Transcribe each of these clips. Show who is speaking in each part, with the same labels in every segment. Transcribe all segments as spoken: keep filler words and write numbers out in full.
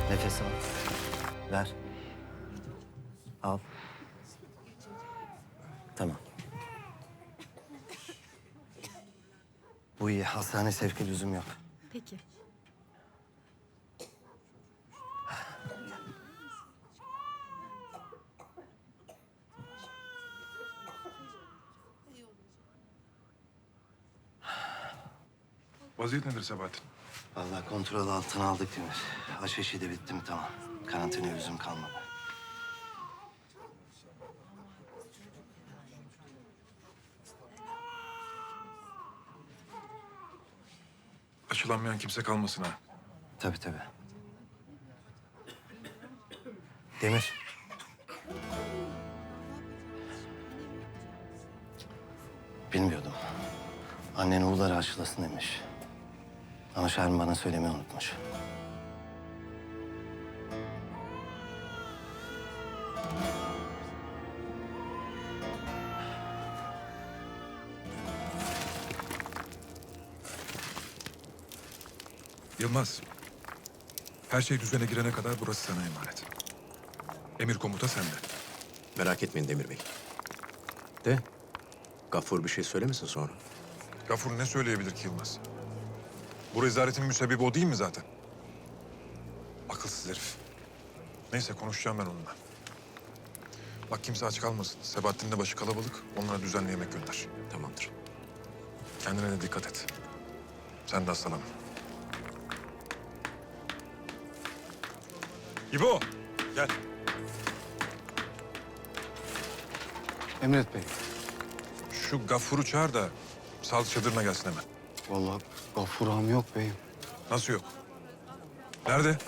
Speaker 1: Nefes al. Ver. Al. Tamam. Bu iyi. Hastane sevki lüzum yok.
Speaker 2: Peki.
Speaker 3: Vaziyet nedir Sebahattin?
Speaker 1: Vallahi kontrol altına aldık Demir. Aşeşi de bitti mi tamam. Karantinaya lüzum kalmadı.
Speaker 3: Aşılanmayan kimse kalmasın ha.
Speaker 1: Tabii tabii. Demir. Bilmiyordum. Annen oğulları aşılasın demiş. Ama Şermin bana söylemeyi unutmuş.
Speaker 3: Yılmaz. Her şey düzene girene kadar burası sana emanet. Emir komuta sende.
Speaker 4: Merak etmeyin Demir Bey. De, Gaffur bir şey söylemesin sonra.
Speaker 3: Gafur ne söyleyebilir ki Yılmaz? Bu rezaletin müsebbibi o değil mi zaten? Akılsız herif. Neyse konuşacağım ben onunla. Bak kimse aç kalmasın. Sebahattin'in de başı kalabalık. Onlara düzenli yemek gönder.
Speaker 4: Tamamdır.
Speaker 3: Kendine de dikkat et. Sen de hastalanma. İbo, gel.
Speaker 5: Emret Bey.
Speaker 3: Şu Gafur'u çağır da sağlık çadırına gelsin hemen.
Speaker 5: Vallahi Gafur ağam yok beyim.
Speaker 3: Nasıl yok? Nerede?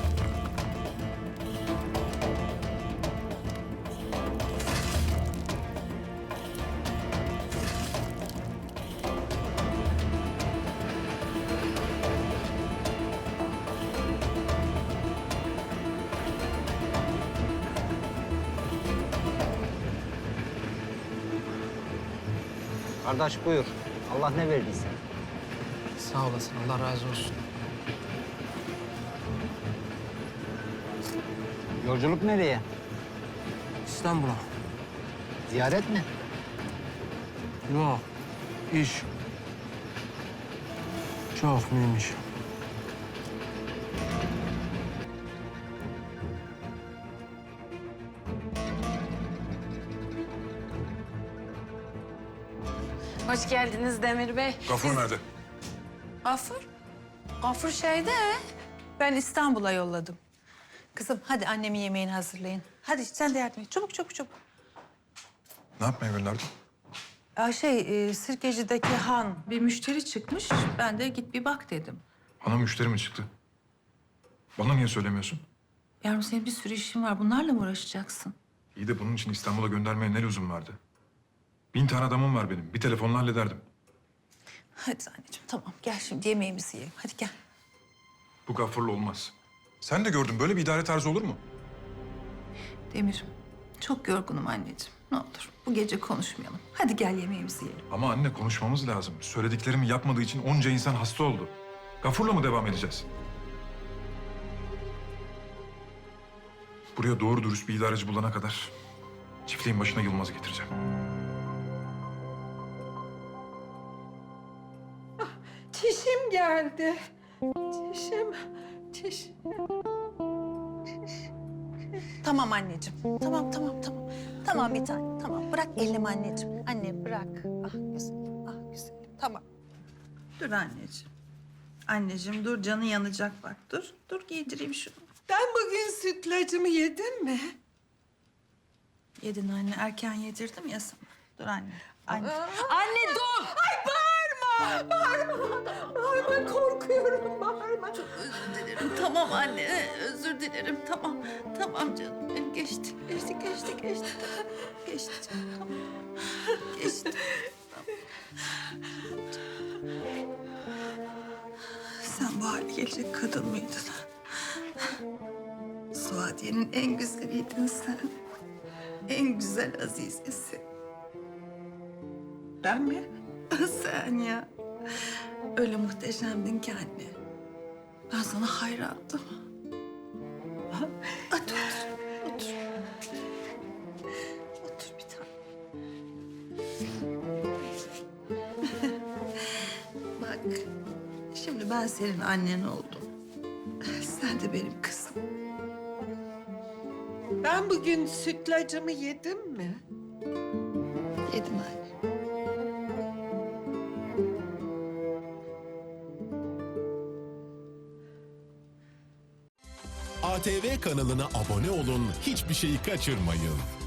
Speaker 6: Kardeş buyur. Allah ne verdiyse.
Speaker 7: Sağ olasın, Allah razı olsun.
Speaker 6: Yolculuk nereye?
Speaker 7: İstanbul'a.
Speaker 6: Ziyaret mi?
Speaker 7: Yok, iş. Çok mühim iş.
Speaker 2: Hoş geldiniz Demir Bey.
Speaker 3: Gafur nerede?
Speaker 8: Gafur? Gafur şeyde. Ben İstanbul'a yolladım. Kızım hadi annemin yemeğini hazırlayın. Hadi sen de yardım et. Çabuk çabuk çabuk.
Speaker 3: Ne yapmaya gönderdin?
Speaker 8: Ya şey e, Sirkeci'deki Han bir müşteri çıkmış. Ben de git bir bak dedim.
Speaker 3: Bana müşteri mi çıktı? Bana niye söylemiyorsun?
Speaker 8: Yavrum senin bir sürü işin var. Bunlarla mı uğraşacaksın?
Speaker 3: İyi de bunun için İstanbul'a göndermeye ne lüzum vardı? Bin tane adamım var benim. Bir telefonla hallederdim.
Speaker 8: Hadi anneciğim tamam gel şimdi yemeğimizi yiyelim. Hadi gel.
Speaker 3: Bu Gafur'la olmaz. Sen de gördün. Böyle bir idare tarzı olur mu?
Speaker 8: Demir çok yorgunum anneciğim. Ne olur bu gece konuşmayalım. Hadi gel yemeğimizi yiyelim.
Speaker 3: Ama anne konuşmamız lazım. Söylediklerimi yapmadığı için onca insan hasta oldu. Gafur'la mı devam edeceğiz? Buraya doğru dürüst bir idareci bulana kadar çiftliğin başına Yılmaz'ı getireceğim.
Speaker 8: Çişim geldi. Çişim, çiş. Tamam anneciğim. Tamam, tamam, tamam. Tamam bir tane. Tamam. Bırak elimi anneciğim. Anne bırak. Ah güzelim, ah güzelim. Tamam. Dur anneciğim. Anneciğim dur canı yanacak bak. Dur, dur giydireyim şunu.
Speaker 9: Ben bugün sütlacımı yedim mi?
Speaker 8: Yedin anne. Erken yedirdim ya sana. Dur anne. Anne.
Speaker 9: Anne dur! Ay bağırma! Bağırma! Bağırma korkuyorum bağırma. Çok
Speaker 8: Özür dilerim. Tamam anne. Özür dilerim. Tamam. Tamam canım. Benim geçti. Geçti, geçti, geçti. Geçti canım. Tamam. Geçti. Sen bu hale gelecek kadın mıydın? Suadiye'nin en güzeliydin sen. En güzel azizesi. Ben mi? Sen ya. Öyle muhteşemdin ki anne. Ben sana hayrandım. Otur, otur. Otur bir tane. Bak, şimdi ben senin annen oldum. Sen de benim kızım.
Speaker 9: Ben bugün sütlacımı yedim mi?
Speaker 8: Yedim anne.
Speaker 10: A T V kanalına abone olun, hiçbir şeyi kaçırmayın.